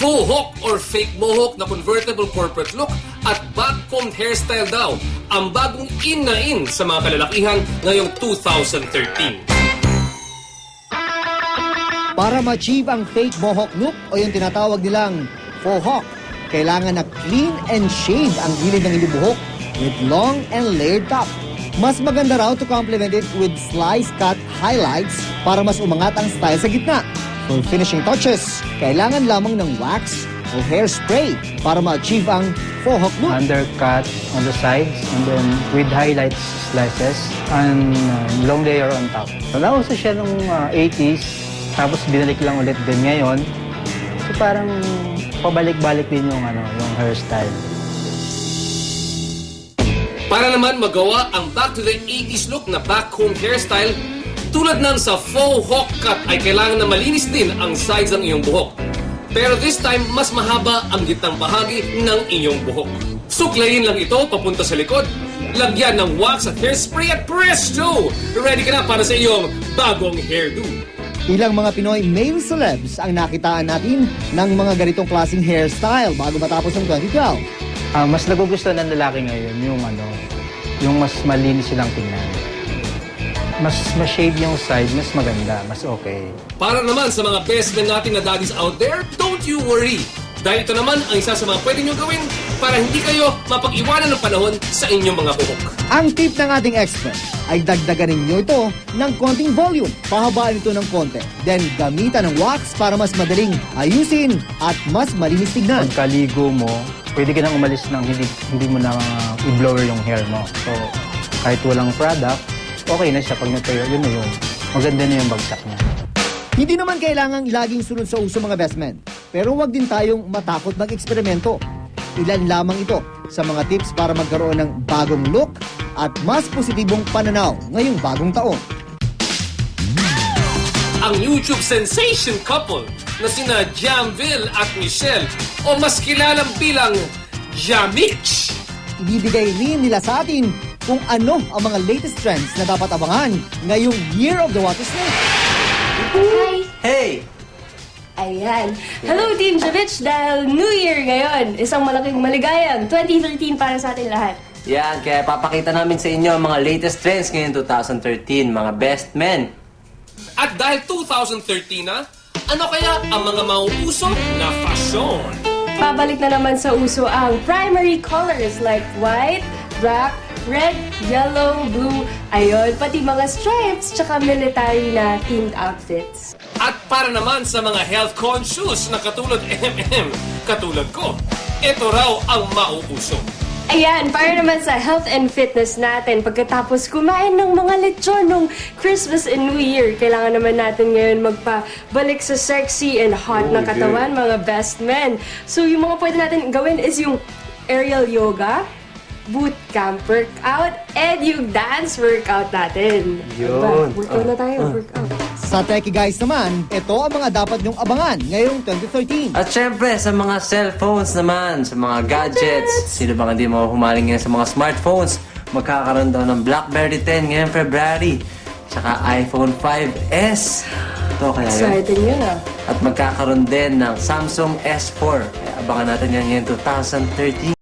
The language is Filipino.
Faux hawk or fake mohawk na convertible corporate look at backcombed hairstyle daw ang bagong in na in sa mga kalalakihan ngayong 2013. Para ma-achieve ang fake mohawk look o yung tinatawag nilang faux hawk, kailangan na clean and shave ang gilid ng inyong buhok with long and layered top. Mas maganda raw to complement it with slice cut highlights para mas umangat ang style sa gitna. For finishing touches, kailangan lamang ng wax o hairspray para ma-achieve ang faux hawk look. Undercut on the sides and then with highlights slices and long layer on top. Nauso siya nung 80s, tapos binalik lang ulit din ngayon. So parang pabalik-balik din yung hairstyle. Para naman magawa ang back to the 80s look na backcombed hairstyle, tulad ng sa faux hawk cut ay kailangan na malinis din ang sides ng iyong buhok. Pero this time, mas mahaba ang gitnang bahagi ng iyong buhok. Suklayin lang ito papunta sa likod, lagyan ng wax at hairspray at presto! Ready ka na para sa iyong bagong hairdo. Ilang mga Pinoy male celebs ang nakitaan natin ng mga ganitong klaseng hairstyle bago matapos ng 2012. Mas nagugustuhan ng lalaki ngayon yung mas malinis silang tingnan. Mas ma-shave yung side, mas maganda, mas okay. Para naman sa mga best men natin na daddies out there, don't you worry. Dahil ito naman ang isa sa mga pwede nyo gawin para hindi kayo mapag-iwanan ng panahon sa inyong mga buhok. Ang tip ng ating expert ay dagdagan ninyo ito ng konting volume. Pahabaan ito ng konti. Then gamitan ng wax para mas madaling ayusin at mas malinis tignan. Pagkaligo mo, pwede ka nang umalis ng hindi mo na i-blower yung hair mo. So, kahit walang product, okay na siya. Pag natuyo, yun na yun. Maganda na yung bagsak niya. Hindi naman kailangang laging sunod sa uso mga best men. Pero huwag din tayong matakot mag-eksperimento. Ilan lamang ito sa mga tips para magkaroon ng bagong look at mas positibong pananaw ngayong bagong taon. Ang YouTube sensation couple na sina Jamville at Michelle o mas kilalang bilang Jamich. Ibibigay rin nila sa atin kung ano ang mga latest trends na dapat abangan ngayong Year of the Water Snake. Hi! Hey! Ayan. Hello, Team Javich! Dahil New Year ngayon, isang malaking maligayang 2013 para sa atin lahat. Yan, kaya papakita namin sa inyo ang mga latest trends ngayon 2013, mga best men. At dahil 2013 na, ano kaya ang mga mauuso na fashion? Pabalik na naman sa uso ang primary colors like white, black, red, yellow, blue, ayun, pati mga stripes, tsaka military na themed outfits. At para naman sa mga health conscious na katulad katulad ko, ito raw ang mauuso. Ayan, para naman sa health and fitness natin, pagkatapos kumain ng mga lechon nung Christmas and New Year, kailangan naman natin ngayon magpabalik sa sexy and hot na katawan, mga best men. So yung mga pwede natin gawin is yung aerial yoga, boot camp workout, and yung dance workout natin. Yun. Workout na tayo, workout. Sa Techie Guys naman, ito ang mga dapat nyong abangan ngayong 2013. At syempre, sa mga cellphones naman, sa mga gadgets, sino bang hindi mo humaling ngayon sa mga smartphones, magkakaroon daw ng BlackBerry 10 ngayong February, tsaka iPhone 5S. Ito kaya yun. Exciting yun ah. At magkakaroon din ng Samsung S4. Kaya abangan natin yan ngayon 2013.